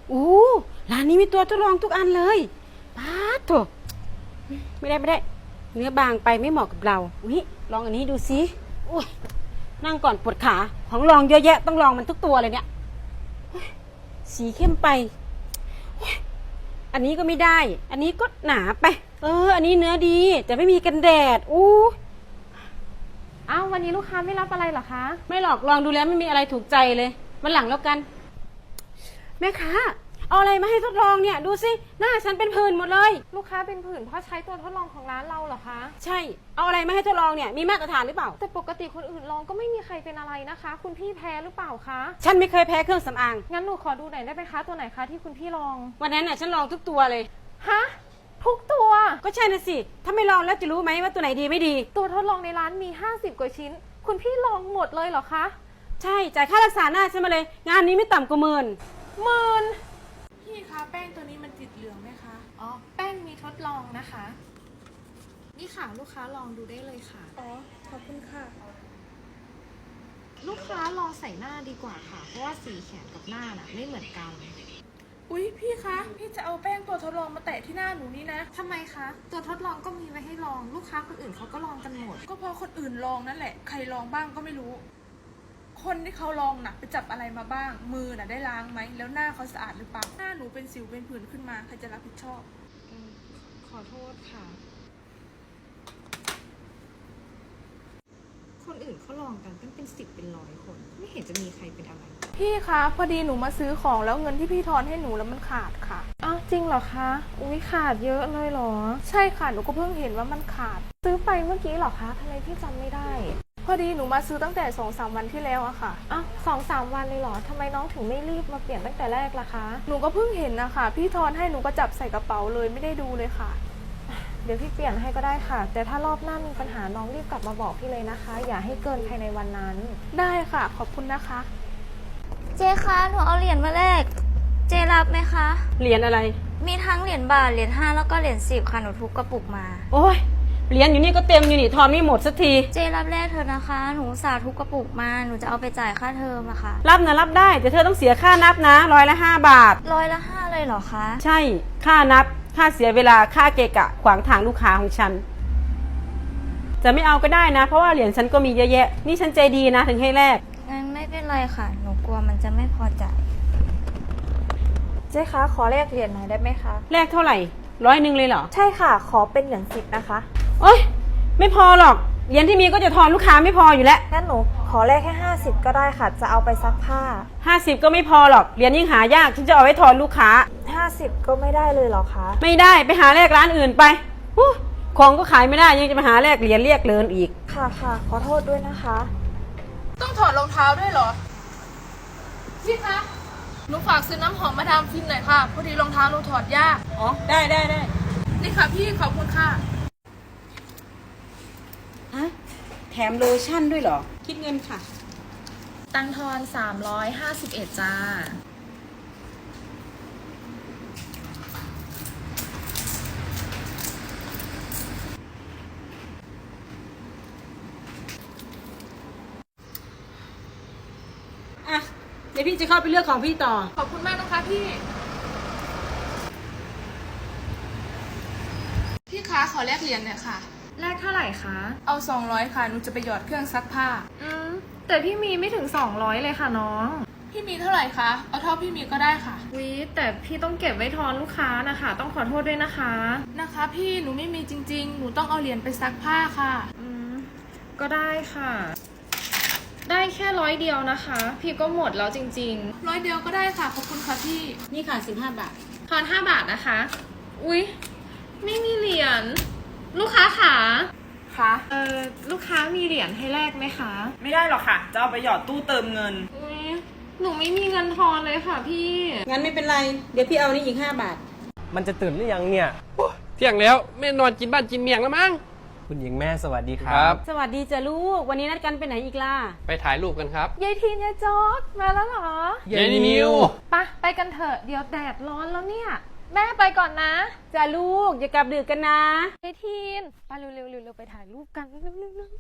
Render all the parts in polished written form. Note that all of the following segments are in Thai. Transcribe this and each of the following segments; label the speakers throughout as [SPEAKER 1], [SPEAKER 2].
[SPEAKER 1] อู้ร้านนี้มีตัวทดลองทุกอันเลยป๊าดโถไม่ได้เนื้อบางไปไม่เหมาะกับเราอุ้ยลองอันนี้ดูสิอุ้ยนั่งก่อนปวดขาของลองเยอะแยะต้องลองมันทุกตัวเลยเนี่ยสีเข้มไปอันนี้ก็ไม่ได้ อันนี้ก็หนาไปอันนี้เนื้อดีแต่ไม่มีกันแดดอู้
[SPEAKER 2] อ้าววันนี้ลูกค้าไม่รับอะไรเหรอคะ
[SPEAKER 1] ไม่หรอกลองดูแล้วไม่มีอะไรถูกใจเลยวันหลังแล้วกันแม่ค้าเอาอะไรมาให้ทดลองเนี่ยดูสิหน้าฉันเป็นผื่นหมดเลย
[SPEAKER 2] ลูกค้าเป็นผื่นเพราะใช้ตัวทดลองของร้านเราเหรอคะ
[SPEAKER 1] ใช่เอาอะไรมาให้ทดลองเนี่ยมีมาตรฐานหรือเปล่า
[SPEAKER 2] แต่ปกติคนอื่นลองก็ไม่มีใครเป็นอะไรนะคะ คุณพี่แพ้หรือเปล่าคะ
[SPEAKER 1] ฉันไม่เคยแพ้เครื่องสำอาง
[SPEAKER 2] งั้นหนูขอดูหน่อยได้ไหมคะตัวไหนคะที่คุณพี่ลอง
[SPEAKER 1] วันนั้นน่ะฉันลองทุกตัวเลย
[SPEAKER 2] ฮะทุกตัว
[SPEAKER 1] ก็ใช่นะสิถ้าไม่ลองแล้วจะรู้ไหมว่าตัวไหนดีไม่ดี
[SPEAKER 2] ตัวทดลองในร้านมี50กว่าชิ้นคุณพี่ลองหมดเลยเหรอคะ
[SPEAKER 1] ใช่จ่ายค่ารักษาหน้าฉันมาเลยงานนี้ไม่ต่ำกว่า10,000
[SPEAKER 3] พี่คะแป้งตัวนี้มันติดเหลืองไหมคะ
[SPEAKER 2] อ๋อแป้งมีทดลองนะคะนี่ค่ะลูกค้าลองดูได้เลยค่ะ
[SPEAKER 3] อ๋อขอบคุณค่ะ
[SPEAKER 2] ลูกค้าลองใส่หน้าดีกว่าค่ะเพราะว่าสีแขนกับหน้าน่ะไม่เหมือนกัน
[SPEAKER 3] อุ๊ยพี่คะพี่จะเอาแป้งตัวทดลองมาแตะที่หน้าหนูนี่นะ
[SPEAKER 2] ทำไมคะตัวทดลองก็มีไว้ให้ลองลูกค้าคนอื่นเขาก็ลองกันหมด
[SPEAKER 3] ก็เพราะคนอื่นลองนั่นแหละใครลองบ้างก็ไม่รู้คนที่เขาลองน่ะไปจับอะไรมาบ้างมือน่ะได้ล้างไหมแล้วหน้าเขาสะอาดหรือเปล่าหน้าหนูเป็นสิวเป็นผื่นขึ้นมาใครจะรับผิดชอบ
[SPEAKER 2] ขอโทษค่ะคนอื่นเขาลองกันเป็น10เป็น100คนไม่เห็นจะมีใครเป็นอะไร
[SPEAKER 3] พี่คะพอดีหนูมาซื้อของแล้วเงินที่พี่ทอนให้หนูแล้วมันขาดค่ะ
[SPEAKER 2] อ้าวจริงเหรอคะอุ้ยขาดเยอะเลยเหรอ
[SPEAKER 3] ใช่ค่ะหนูก็เพิ่งเห็นว่ามันขาด
[SPEAKER 2] ซื้อไปเมื่อกี้เหรอคะทำไมพี่จำไม่ได้
[SPEAKER 3] พอดีหนูมาซื้อตั้งแต่2-3 วันที่แล้วอะค่ะ
[SPEAKER 2] อ้าว2-3 วันเลยเหรอทำไมน้องถึงไม่รีบมาเปลี่ยนตั้งแต่แรกล่ะคะ
[SPEAKER 3] หนูก็เพิ่งเห็นนะคะพี่ทอนให้หนูก็จับใส่กระเป๋าเลยไม่ได้ดูเลยค่ะ
[SPEAKER 2] เดี๋ยวพี่เปลี่ยนให้ก็ได้ค่ะแต่ถ้ารอบหน้ามีปัญหาน้องรีบกลับมาบอกพี่เลยนะคะอย่าให้เกินภายในวันนั้น
[SPEAKER 3] ได้ค่ะขอบคุณนะคะ
[SPEAKER 4] เจคะหนูเอาเหรียญมาแลกเจรับไหมคะ
[SPEAKER 1] เหรียญอะไร
[SPEAKER 4] มีทั้งเหรียญบาทเหรียญ5แล้วก็เหรียญ10ค่ะหนูทุบกระปุกมา
[SPEAKER 1] โอ้ยเหรียญอยู่นี่ก็เต็มอยู่นี่ทอนไม่หมดสักที
[SPEAKER 4] เจรับแลกเธอนะคะหนูสาทุบกระปุกมาหนูจะเอาไปจ่ายค่าเทอมอะค่ะ
[SPEAKER 1] รับนะรับได้แต่เธอต้องเสียค่านับนะ5 บาท
[SPEAKER 4] 5เลยเหรอคะ
[SPEAKER 1] ใช่ค่านับค่าเสียเวลาค่าเกะกะขวางทางลูกค้าของฉันจะไม่เอาก็ได้นะเพราะว่าเหรียญฉันก็มีเยอะแยะนี่ฉันใจดีนะถึงให้แลก
[SPEAKER 4] งั้นไม่เป็นไรค่ะหนูกลัวมันจะไม่พอจ่าย
[SPEAKER 2] เจ๊คะขอแลกเหรียญหน่อยได้ไหมคะ
[SPEAKER 1] แลกเท่าไหร่100เลยเหรอ
[SPEAKER 2] ใช่ค่ะขอเป็นเหรียญ10นะคะ
[SPEAKER 1] โอ๊ยไม่พอหรอกเหรียญที่มีก็จะทอนลูกค้าไม่พออยู่แล้ว
[SPEAKER 2] งั้นหนูขอแลกแค่50ก็ได้ค่ะจะเอาไปซักผ้า
[SPEAKER 1] 50ก็ไม่พอหรอกเหรียญยิ่งหายากฉันจะเอาไว้ทอนลูกค้า
[SPEAKER 2] 50ก็ไม่ได้เลยเหรอคะ
[SPEAKER 1] ไม่ได้ไปหาแลกร้านอื่นไปของก็ขายไม่ได้ยังจะมาหาแลกเหรียญเรียกเลินอีก
[SPEAKER 2] ค่ะขอโทษด้วยนะคะ
[SPEAKER 3] ต้องถอดรองเท้าด้วยเหรอพี่คะหนูฝากซื้อน้ำหอมมาดามฟินหน่อยค่ะพอดีรองเท้าหนูถอดยาก
[SPEAKER 1] อ๋อได้
[SPEAKER 3] นี่ค่ะพี่ขอบคุณค่ะ
[SPEAKER 1] ฮะแถมโลชั่นด้วยเหรอคิดเงินค่ะ
[SPEAKER 2] ตังทอน351จ้า
[SPEAKER 1] เดี๋ยวพี่จะเข้าไปเลือกของพี่ต่อ
[SPEAKER 3] ขอบคุณมากนะคะพี่คะขอแลกเหรียญหน่อยค่ะ
[SPEAKER 2] แลกเท่าไหร่คะ
[SPEAKER 3] เอา200ค่ะหนูจะไปหยอดเครื่องซักผ้า
[SPEAKER 2] แต่พี่มีไม่ถึง200เลยค่ะน้อง
[SPEAKER 3] พี่มีเท่าไหร่คะเอาเท่าพี่มีก็ได้ค่ะ
[SPEAKER 2] แต่พี่ต้องเก็บไว้ทอนลูกค้านะคะต้องขอโทษด้วย
[SPEAKER 3] นะคะพี่หนูไม่มีจริงๆหนูต้องเอาเหรียญไปซักผ้าค่ะ
[SPEAKER 2] ก็ได้ค่ะได้แค่100เดียวนะคะพี่ก็หมดแล้วจริง
[SPEAKER 3] ๆ100เดียวก็ได้ค่ะขอบคุณค่ะพี่
[SPEAKER 1] นี่ค่ะ15 บาท
[SPEAKER 2] ทอน5 บาทนะคะไม่มีเหรียญลูกค้าค่ะลูกค้ามีเหรียญให้แลกไหมคะ
[SPEAKER 5] ไม่ได้หรอกค่ะจะเอาไปหยอดตู้เติมเงิน
[SPEAKER 2] หนูไม่มีเงินทอนเลยค่ะพี่
[SPEAKER 1] งั้นไม่เป็นไรเดี๋ยวพี่เอานี่อีก5 บาท
[SPEAKER 6] มันจะตื่นหรือยังเนี่ย
[SPEAKER 7] เที่ยงแล้วแม่นอนกินบ้านกินเมียงแล้วมั้ง
[SPEAKER 6] คุณหญิงแม่สวัสดีครับ
[SPEAKER 1] สวัสดีจ้ะลูกวันนี้นัดกันไปไหนอีกล่ะ
[SPEAKER 7] ไปถ่ายรูปกันครับ
[SPEAKER 2] ยายทีนยายจอดมาแล้วเหรอย
[SPEAKER 7] ายนิว
[SPEAKER 2] ไปกันเถอะเดี๋ยวแดดร้อนแล้วเนี่ยแม่ไปก่อนนะ
[SPEAKER 1] จ้ะลูกอย่ากลับดึกกันนะ
[SPEAKER 2] ยายทีนไปเร็วไปถ่ายรูปกันเร็ว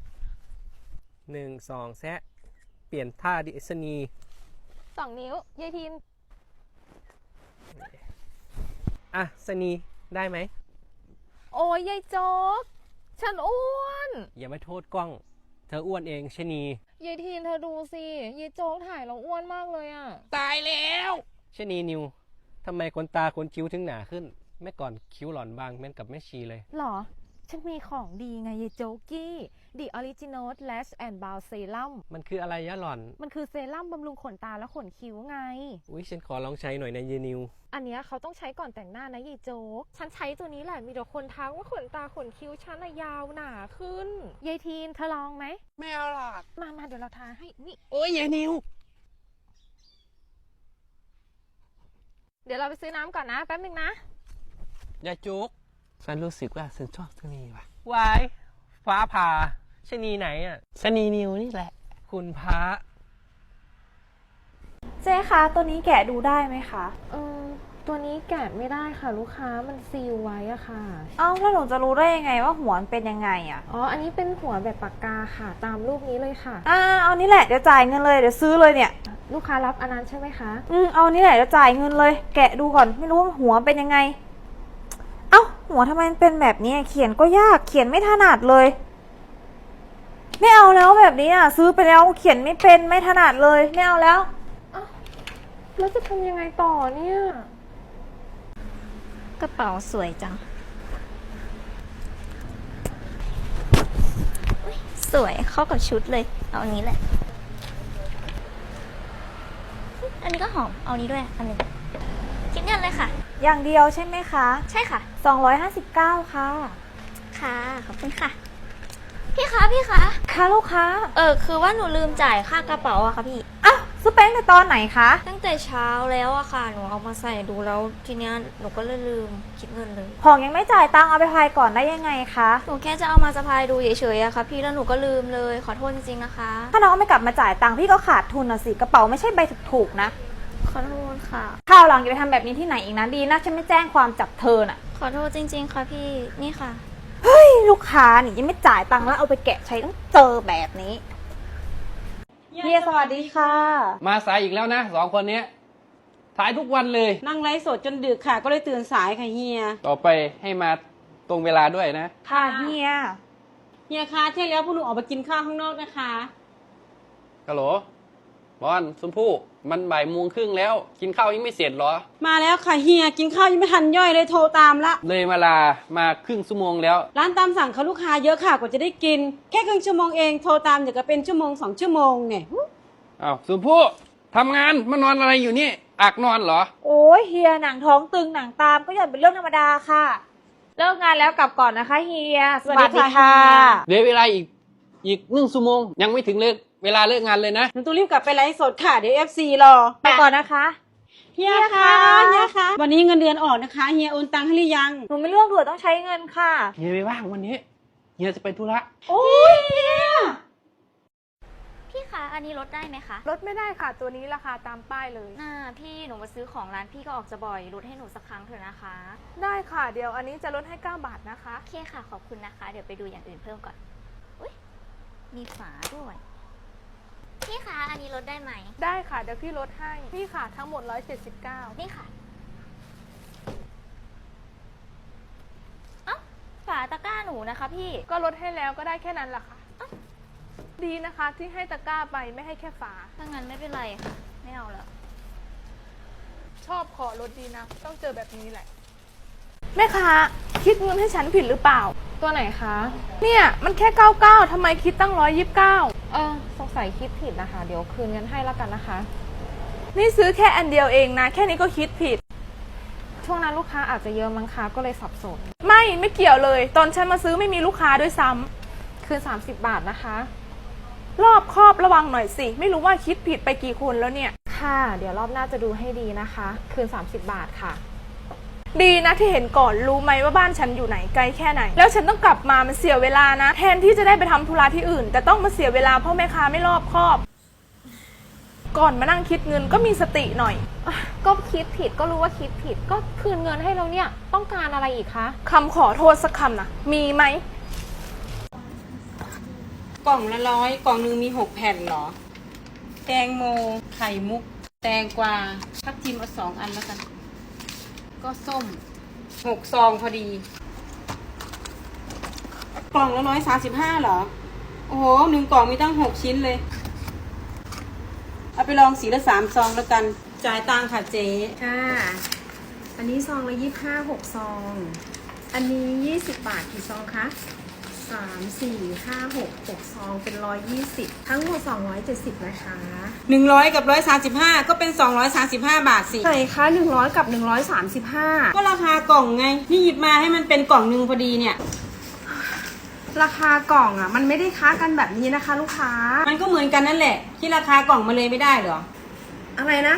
[SPEAKER 6] 1 2แซะเปลี่ยนท่าดิสนี
[SPEAKER 2] 2 นิ้วยายทีน
[SPEAKER 6] อ่ะสนีได้ไหม
[SPEAKER 2] โอ้ยยายโจ๊ก ฉันอ้วน
[SPEAKER 6] อย่ามาโทษกล้อง เธออ้วนเองชะนี
[SPEAKER 2] ยายทีนเธอดูสิยายโจ๊กถ่ายเราอ้วนมากเลยอะ
[SPEAKER 7] ตายแล้ว
[SPEAKER 6] ชะนีนิวทำไมขนตาขนคิ้วถึงหนาขึ้นเมื่อก่อนคิ้วหล่อนบางแม่นกับแม่ชีเลย
[SPEAKER 2] หรอ ฉันมีของดีไงยายโจ๊กกี้ The Original Lash and Brow Serum
[SPEAKER 6] มันคืออะไรยะหล่อน
[SPEAKER 2] มันคือเซรั่มบำรุงขนตาและขนคิ้วไง
[SPEAKER 6] อุ้ยฉันขอลองใช้หน่อยนะเยนิว
[SPEAKER 2] อันเนี้ยเขาต้องใช้ก่อนแต่งหน้านะยายโจ๊ก ฉันใช้ตัวนี้แหละมีแต่คนทักว่าขนตาขนคิ้วฉันอะยาวหนาขึ้นยายทีนเธอลองไหม
[SPEAKER 7] ไม่เอาหรอก
[SPEAKER 2] มาเดี๋ยวเราทาให้นี่
[SPEAKER 7] โอ้ยยายนิว
[SPEAKER 2] เดี๋ยวเราไปซื้อน้ำก่อนนะแป๊บนึงนะ
[SPEAKER 7] ยายจุกฉันรู้สึกว่าฉันชอบชะนีว่ะ
[SPEAKER 6] วายฟ้าผ่าชะนีไหนอ่ะ
[SPEAKER 7] ชะนีนิวนี่แหละ
[SPEAKER 6] คุณพระ
[SPEAKER 4] เจ๊คะตัวนี้แกะดูได้ไหมคะ
[SPEAKER 2] ตัวนี้แกะไม่ได้ค่ะลูกค้ามันซีลไว้อะค่ะ
[SPEAKER 4] เอ้าแล้วหนูจะรู้ได้ยังไงว่าหัวมันเป็นยังไงอะ
[SPEAKER 2] อ๋อ อันนี้เป็นหัวแบบปากกาค่ะ ตามรูปนี้เลยค่ะ
[SPEAKER 4] เอานี่แหละเดี๋ยวจ่ายเงินเลยเดี๋ยวซื้อเลยเนี่ย
[SPEAKER 2] ลูกค้ารับอันนั้นใช่ไหมคะ
[SPEAKER 4] เอานี่แหละเดี๋ยวจ่ายเงินเลย แกะดูก่อนไม่รู้ว่าหัวเป็นยังไง เอ้าหัวทำไมมันเป็นแบบนี้เขียนก็ยากเขียนไม่ถนัดเลย ไม่เอาแล้วแบบนี้อ่ะซื้อไปแล้วเขียนไม่เป็นไม่ถนัดเลยไม่เอาแล้ว
[SPEAKER 2] แล้วจะทำยังไงต่อเนี่ย
[SPEAKER 4] กระเป๋าสวยจังสวยเข้ากับชุดเลยเอาอันนี้แหละ อันนี้ก็หอมเอานี้ด้วยอันนึงคิดเงินเลยค่ะ อย่างเดียวใช่ไหมคะ ใช่ค่ะ259ค่ะค่ะขอบคุณค่ะพี่คะค่ะลูกค้าคือว่าหนูลืมจ่ายค่ากระเป๋าอะค่ะพี่อ้าวซื้อแป้งแต่ตอนไหนคะตั้งแต่เช้าแล้วอะค่ะหนูเอามาใส่ดูแล้วทีเนี้ยหนูก็เลยลืมคิดเงินเลยของยังไม่จ่ายตังค์เอาไปพายก่อนได้ยังไงคะหนูแค่จะเอามาสะพายดูเฉยๆอะค่ะพี่แล้วหนูก็ลืมเลยขอโทษจริงๆนะคะถ้าน้องไม่กลับมาจ่ายตังค์พี่ก็ขาดทุนนะสิกระเป๋าไม่ใช่ใบถูกๆนะขอโทษค่ะคราวหลังอย่าไปทำแบบนี้ที่ไหนอีกนะดีนะฉันไม่แจ้งความจับเธอน่ะขอโทษจริงๆค่ะพี่นี่ค่ะเฮ้ยลูกค้านี่ยังไม่จ่ายตังค์แล้วเอาไปแกะใช้ต้องเจอแบบนี้เฮียสวัสดีค่ะ
[SPEAKER 7] มาสายอีกแล้วนะ2 คนเนี้ยถ่ายทุกวันเลย
[SPEAKER 1] นั่งไลฟ์สดจนดึกค่ะ ก็เลยตื่นสายค่ะเฮีย
[SPEAKER 7] ต่อไปให้มาตรงเวลาด้วยนะ
[SPEAKER 4] ค่ะเฮีย
[SPEAKER 1] เฮียคะเที่ยงแล้วพวกหนูออกไปกินข้าวข้างนอกนะคะ
[SPEAKER 7] ฮัลโหล บอลชมพู่มัน13:30แล้ว กินข้าวยังไม่เสร็จเหรอ
[SPEAKER 1] มาแล้วค่ะเฮียกินข้าวยังไม่ทันย่อยเลยโทรตามละ
[SPEAKER 7] เลยมาครึ่งชั่วโมงแล้ว
[SPEAKER 1] ร้านตามสั่งเขาลูกค้าเยอะค่ะกว่าจะได้กิน แค่ครึ่งชั่วโมงเองโทรตามเดี๋ยวก็เป็นชั่วโมง2 ชั่วโมงเนี่ย
[SPEAKER 7] อ้าวชมพู่ทำงานมานอนอะไรอยู่นี่อักนอนเหรอ
[SPEAKER 4] โอ้ยเฮียหนังท้องตึงหนังตามก็หย่อนเป็นเรื่องธรรมดาค่ะ เลิกงานแล้วกลับก่อนนะคะเฮีย
[SPEAKER 1] สวัสดีค่ะ
[SPEAKER 7] เดี๋ยวเวลาอีก1 ชั่วโมงยังไม่ถึงเวลาเลิกงานเลยนะ
[SPEAKER 1] หนูต้องรีบกลับไปไลฟ์สดค่ะเดี๋ยว FC รอ
[SPEAKER 4] ไปก่อนนะคะ
[SPEAKER 1] เฮียคะเฮียคะวันนี้เงินเดือนออกนะคะเฮียโอนตังค์ให้หรือยัง
[SPEAKER 4] หนูไม่ร่วงด่วนต้องใช้เงินค่ะ
[SPEAKER 7] เฮียไม่ว่างวันนี้เฮียจะไปธุระ
[SPEAKER 1] โอ้ยเฮีย
[SPEAKER 4] พี่คะอันนี้ลดได้ไหมคะ
[SPEAKER 3] ลดไม่ได้ค่ะตัวนี้ราคาตามป้ายเลย
[SPEAKER 4] พี่หนูมาซื้อของร้านพี่ก็ออกจะบ่อยลดให้หนูสักครั้งเถอะนะคะ
[SPEAKER 3] ได้ค่ะเดี๋ยวอันนี้จะลดให้9 บาทนะคะ
[SPEAKER 4] โอเคค่ะขอบคุณนะคะ เดี๋ยวไปดูอย่างอื่นเพิ่มก่อนอุ๊ยมีฝาด้วยพี่คะอันนี้ลดได้ไหม
[SPEAKER 3] ได้ค่ะเดี๋ยวพี่ลดให้พี่ค่ะทั้งหมด179
[SPEAKER 4] นี่ค่ะเอ้าฝาตะกร้าหนูนะคะพี่
[SPEAKER 3] ก็ลดให้แล้วก็ได้แค่นั้นแหละค่ะ ดีนะคะที่ให้ตะกร้าไปไม่ให้แค่ฝา
[SPEAKER 4] ถ้างั้นไม่เป็นไรค่ะ ไม่เอาแล้ว
[SPEAKER 3] ชอบขอลดดีนะ ต้องเจอแบบนี้แหละ แม่ค้าคิดเงินให้ฉันผิดหรือเปล่า
[SPEAKER 2] ตัวไหนคะ
[SPEAKER 3] เนี่ยมันแค่99ทำไมคิดตั้ง129
[SPEAKER 2] สงสัยคิดผิดนะคะ เดี๋ยวคืนเงินให้แล้วกันนะคะ
[SPEAKER 3] นี่ซื้อแค่อันเดียวเองนะ แค่นี้ก็คิดผิด
[SPEAKER 2] ช่วงนั้นลูกค้าอาจจะเยอะมั้งคะก็เลยสับสน
[SPEAKER 3] ไม่เกี่ยวเลย ตอนฉันมาซื้อไม่มีลูกค้าด้วยซ้ำ
[SPEAKER 2] คืน30 บาทนะคะ
[SPEAKER 3] รอบคอบระวังหน่อยสิ ไม่รู้ว่าคิดผิดไปกี่คนแล้วเนี่ย
[SPEAKER 2] ค่ะ เดี๋ยวรอบหน้าจะดูให้ดีนะคะ คืน30 บาทค่ะ
[SPEAKER 3] ดีนะที่เห็นก่อนรู้ไหมว่าบ้านฉันอยู่ไหนไกลแค่ไหน แล้วฉันต้องกลับมามันเสียเวลานะ แทนที่จะได้ไปทำธุระที่อื่น แต่ต้องมาเสียเวลาเพราะแม่ค้าไม่รอบคอบ ก่อนมานั่งคิดเงินก็มีสติหน่อย
[SPEAKER 2] ก็คิดผิดก็รู้ว่าคิดผิดก็คืนเงินให้เราเนี่ยต้องการอะไรอีกคะ
[SPEAKER 3] คำขอโทษสักคำนะมีไหม
[SPEAKER 1] กล่องละ100กล่องหนึงมี6 แผ่นเหรอ แตงโมไข่มุก แตงกวาทับทิมเอา2 อันแล้วกันก็ส้ม6 ซองพอดี กล่องละ135เหรอ โอ้โห1 กล่องมีตั้ง6 ชิ้นเลย เอาไปลองสีละ3 ซองแล้วกัน จ่ายตังค่ะเจ๊
[SPEAKER 2] ค่ะ อันนี้ซองละ25 6 ซอง อันนี้20 บาทกี่ซองคะ3 4 5 6 6 ซองเป็น120ทั้งหมด270นะคะ
[SPEAKER 1] 100กับ135ก็เป็น235 บาทสิ
[SPEAKER 2] ไหนคะ100กับ135
[SPEAKER 1] ก็ราคากล่องไง นี่หยิบมาให้มันเป็นกล่องหนึ่งพอดีเนี่ย
[SPEAKER 2] ราคากล่องอ่ะ มันไม่ได้ค้ากันแบบนี้นะคะ ลูกค้า
[SPEAKER 1] มันก็เหมือนกันนั่นแหละ ที่ราคากล่องมาเลยไม่ได้เหรอ
[SPEAKER 2] อะไรนะ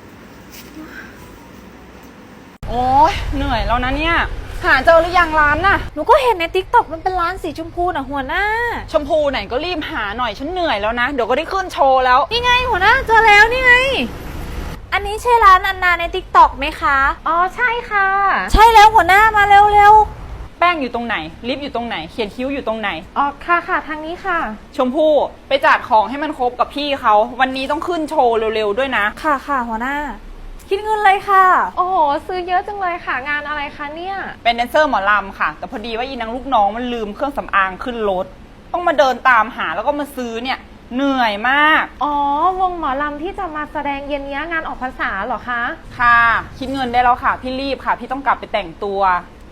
[SPEAKER 5] โอ้ยเหนื่อยแล้วนะเนี่ย หาเจอหรือยังร้านน่ะ
[SPEAKER 4] หนูก็เห็นในติ๊กต็อกมันเป็นร้านสีชมพูน่ะหัวหน้า
[SPEAKER 5] ชมพูไหนก็รีบหาหน่อยฉันเหนื่อยแล้วนะ เดี๋ยวก็ได้ขึ้นโชว์แล้ว
[SPEAKER 4] นี่ไงหัวหน้าเจอแล้วนี่ไง อันนี้ใช่ร้านอันนาในติ๊กต็อกไหมคะ
[SPEAKER 2] อ๋อใช่ค่ะ
[SPEAKER 4] ใช่แล้วหัวหน้ามาเร็ว
[SPEAKER 5] แป้งอยู่ตรงไหน ลิปอยู่ตรงไหน เขียนคิ้วอยู่ตรงไหน
[SPEAKER 2] อ๋อค่ะค่ะทางนี้ค่ะ
[SPEAKER 5] ชมพู่ไปจัดของให้มันครบกับพี่เขา วันนี้ต้องขึ้นโชว์เร็วๆด้วยนะ
[SPEAKER 4] ๆ ค่ะค่ะหัวหน้า คิดเงินเลยค่ะ
[SPEAKER 2] โอ้โห ซื้อเยอะจังเลยค่ะ งานอะไรคะเนี่ย
[SPEAKER 5] เป็นแดนเซอร์หมอลำค่ะ แต่พอดีว่าอีนางลูกน้องมันลืมเครื่องสำอางขึ้นรถ ต้องมาเดินตามหาแล้วก็มาซื้อเนี่ย เหนื่อยมาก
[SPEAKER 2] อ๋อ วงหมอลำที่จะมาแสดงเย็นนี้งานออกพรรษาเหรอคะ
[SPEAKER 5] ค่ะ คิดเงินได้แล้วค่ะ พี่รีบค่ะ พี่ต้องกลับไปแต่งตัว